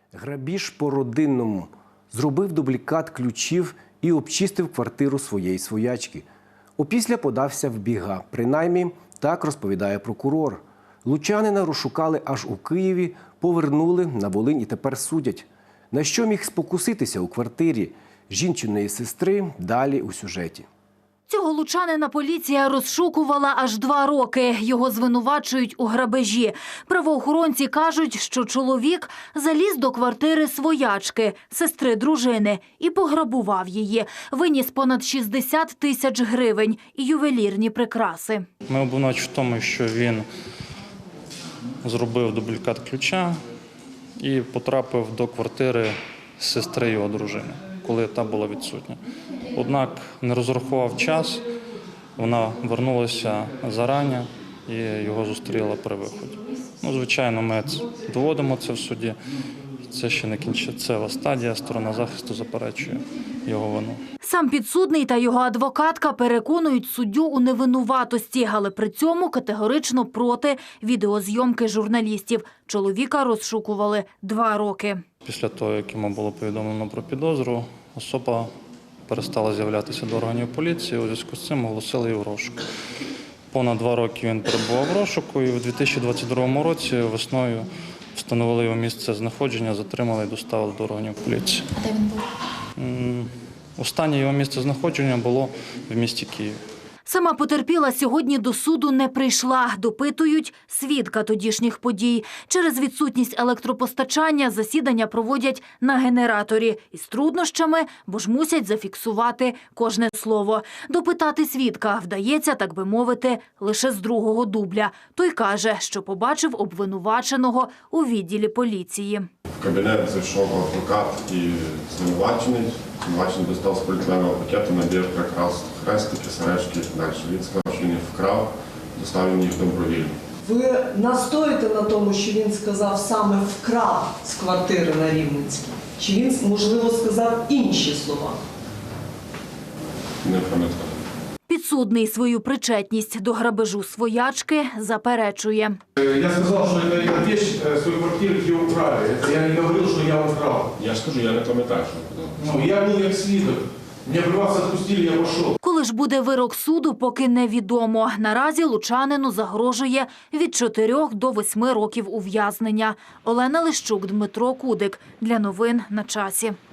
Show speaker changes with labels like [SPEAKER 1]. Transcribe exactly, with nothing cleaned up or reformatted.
[SPEAKER 1] Грабіж по-родинному. Зробив дублікат ключів і обчистив квартиру своєї своячки. Опісля подався в біга. Принаймні, так розповідає прокурор. Лучанина розшукали аж у Києві, повернули на Волинь і тепер судять. На що міг спокуситися у квартирі жінчиної сестри, далі у сюжеті.
[SPEAKER 2] Цього лучанина поліція розшукувала аж два роки. Його звинувачують у грабежі. Правоохоронці кажуть, що чоловік заліз до квартири своячки, сестри дружини, і пограбував її. Виніс понад шістдесят тисяч гривень і ювелірні прикраси.
[SPEAKER 3] Ми обвинувачуємо в тому, що він зробив дублікат ключа і потрапив до квартири сестри його дружини, коли та була відсутня. Однак не розрахував час, вона вернулася зарані і його зустріла при виході. Ну, звичайно, ми доводимо це в суді. Це ще не кінцева стадія, сторона захисту заперечує його вину.
[SPEAKER 2] Сам підсудний та його адвокатка переконують суддю у невинуватості, але при цьому категорично проти відеозйомки журналістів. Чоловіка розшукували два роки.
[SPEAKER 3] Після того, як йому було повідомлено про підозру, особа перестала з'являтися до органів поліції, у зв'язку з цим оголосили її в розшук. Понад два роки він перебував в розшуку і у дві тисячі двадцять другому році весною встановили його місце знаходження, затримали і доставили до органів поліції.
[SPEAKER 2] А де він був?
[SPEAKER 3] Останнє його місце знаходження було в місті Києві.
[SPEAKER 2] Сама потерпіла сьогодні до суду не прийшла. Допитують свідка тодішніх подій. Через відсутність електропостачання засідання проводять на генераторі. Із труднощами, бо ж мусять зафіксувати кожне слово. Допитати свідка вдається, так би мовити, лише з другого дубля. Той каже, що побачив обвинуваченого у відділі поліції.
[SPEAKER 4] В кабінет зайшов адвокат і звинувачений. Звинувачений достав з поліетиленового пакету набір прикрас, хрестики, сережки і так далі. Він сказав, що він їх вкрав, доставив їх добровільно.
[SPEAKER 5] Ви настоїте на тому, що він сказав саме вкрав з квартири на Рівненській? Чи він, можливо, сказав інші слова?
[SPEAKER 4] Не пам'ятаю.
[SPEAKER 2] Підсудний свою причетність до грабежу своячки заперечує.
[SPEAKER 6] Я сказал, что это эта вещь с той квартиры, где украли. Это я не говорил, что я украл.
[SPEAKER 4] Я ж кажу, я не пам'ятаю, що було.
[SPEAKER 6] Ну, я был как свидок. Меня при вас отпустили, я пошел.
[SPEAKER 2] Коли ж буде вирок суду, поки невідомо. Наразі лучанину загрожує від чотирьох до восьми років ув'язнення. Олена Лищук, Дмитро Кудик. Для новин на часі.